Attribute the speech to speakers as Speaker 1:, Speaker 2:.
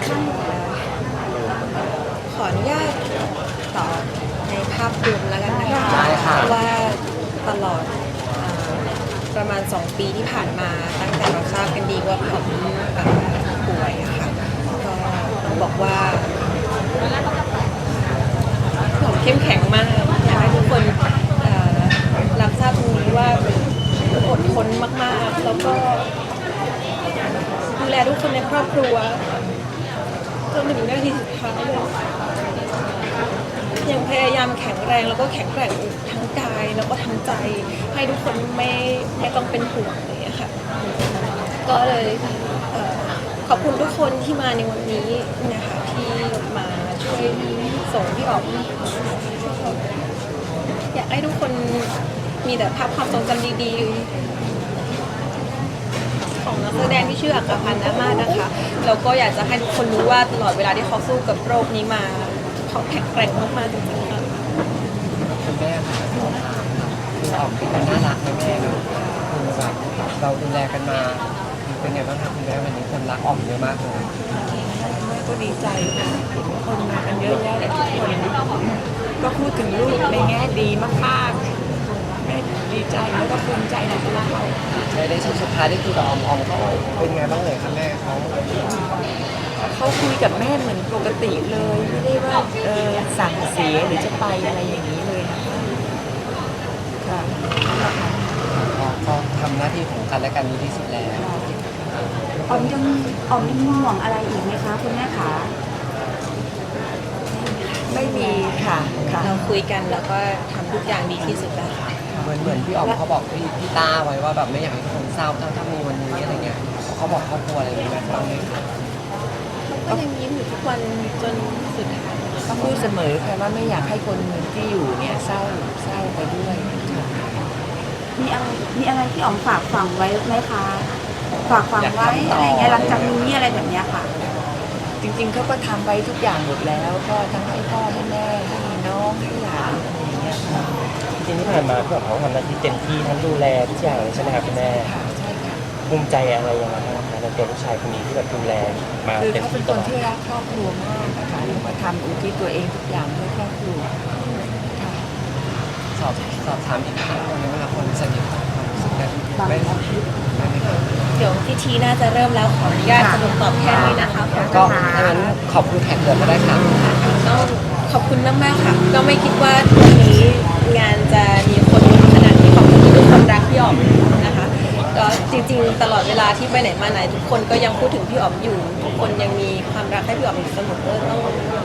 Speaker 1: ขออนุญาตตอบในภาพรวมแล้วกันนะคะ
Speaker 2: ได้ค่ะ
Speaker 1: เพราะว่าตลอดประมาณ2 ปีที่ผ่านมาตั้งแต่เราทราบกันดีว่าผมป่วยอะค่ะก็ต้องบอกว่าผมเข้มแข็งมากอยากให้ทุกคนรับทราบตรงนี้ว่าอดทนมากๆแล้วก็ดูแลทุกคนในครอบครัวจนถึงนาทีสุดท้ายเลยยังพยายามแข็งแรงแล้วก็แข็งแกร่งทั้งกายแล้วก็ทั้งใจให้ทุกคนไม่ต้องเป็นห่วงเลยอะค่ะก็เลยขอบคุณทุกคนที่มาในวันนี้นะคะที่มาช่วยส่งพี่อ๋อมอยากให้ทุกคนมีแต่ภาพความทรงจำดีๆของนักแสดงที่ชื่ออัครพันธ์นามาศนะคะแล้วก็อยากจะให้ทุกคนรู้ว่าตลอดเวลาที่เขาสู้กับโรคนี้มาเขาแข็งแกร่งมากๆจริงๆค่ะ
Speaker 2: คุณแม่ค่ะพี่อ๋อมเป็นคนน่ารักไหมแม่คือแบบเราดูแลกันมาเป็นไงบ้างคะคุณแม่วันนี้คนรักอ๋อมเยอะมากเลย
Speaker 3: แม่ก็ดีใจค่ะเห็นคนมากันเยอะแยะทุกคนก็พูดถึงลูกในแง่ดีมากๆแม่ดีใจแล้วก็ภูมิใจในตัวเขา
Speaker 2: ได้ช่วงสุดท้ายได้คุยกับอ๋อมเขาเป็นไงบ้างเลยคะแม่เขา
Speaker 3: เขาคุยกับแม่เหมือนปกติเลยไม่ได้ว่าสั่งเสียหรือจะไปอะไรอย่างนี้เลยนะคะค่ะ
Speaker 2: ก็ทำหน้าที่ของกันและกันดีที่สุดแล้ว
Speaker 4: ออมยังห่วงอะไรอีกไหมคะคุณแม่คะ
Speaker 3: ไม่มีค่ะค่ะ
Speaker 1: เราคุยกันแล้วก็ทำทุกอย่างดีที่สุดแล้วค่ะ
Speaker 2: เหมือนพี่อ๋อมเขาบอกพี่ต้าไว้ว่าแบบไม่อยากให้ทุกคนเศร้าถ้ามีวันนี้อะไรเงี้ยเขาบอกครอบครัวอะไรอย่างเงี้ยบ้างไหมคะ
Speaker 1: ก็ยังยิ้มอยู่ทุกวันจนสุดท้าย
Speaker 3: ก็พูดเสมอค่ะว่าไม่อยากให้คนที่อยู่เนี่ยเศร้าไปด้วยค่ะ
Speaker 4: มีอะไรที่ออมฝากฝังไว้ไหมคะฝากฝังไว้อะไรเงี้ยหลังจากนี้อะไรแบบเนี้ยค่ะ
Speaker 3: จริงๆเขาก็ทำไปทุกอย่างหมดแล้วก็ทั้งให้พ่อให้แม่ให้น้องให้หลานอะไรอย่างเงี้ยค่ะ
Speaker 5: จริงๆที่ผ่านมาพี่อ๋อมเขาทำหน้าที่เต็มที่ทั้งดูแลทุกอย่างเลยใช่ไหมครับคุณแม่
Speaker 3: ค่ะใช่ค่ะ
Speaker 5: ภูมิใจอะไรยังไงบ้างคะในตัวลูกชายคนนี้ที่แบบดูแลมา
Speaker 3: คือ
Speaker 5: เต็ม
Speaker 3: เขาเป็
Speaker 5: ที่
Speaker 3: น
Speaker 5: ต
Speaker 3: ค
Speaker 5: ล
Speaker 3: น
Speaker 5: อด
Speaker 3: ที่รักครอบครัวมากนะคะแล้วก็ทำอุทิศตัวเองทุกอย่างเพื่อครอบครัวค่ะ
Speaker 2: สอบถามอีกครั้งหนึงได้ไหมคะคนสนิทความรู้สึกนั้นไม่ค่ะ
Speaker 1: เดี๋ยวพิธีน่าจะเริ่มแล้วขออนุญาตสรุปตอบแค่นี้นะคะ
Speaker 2: ก็ดังนั้นขอบคุณแขกเหลือมาได้ค่ะ
Speaker 1: ต้องขอบคุณมากๆค่ะ ก็ไม่คิดว่าวันนี้งานจะมีคนขนาดนี้ขอบคุณทุกคนรักพี่อ๋อมนะคะก็จริงๆตลอดเวลาที่ไปไหนมาไหนทุกคนก็ยังพูดถึงพี่อ๋อมอยู่ทุกคนยังมีความรักให้พี่อ๋อมอยู่เสมอต้อง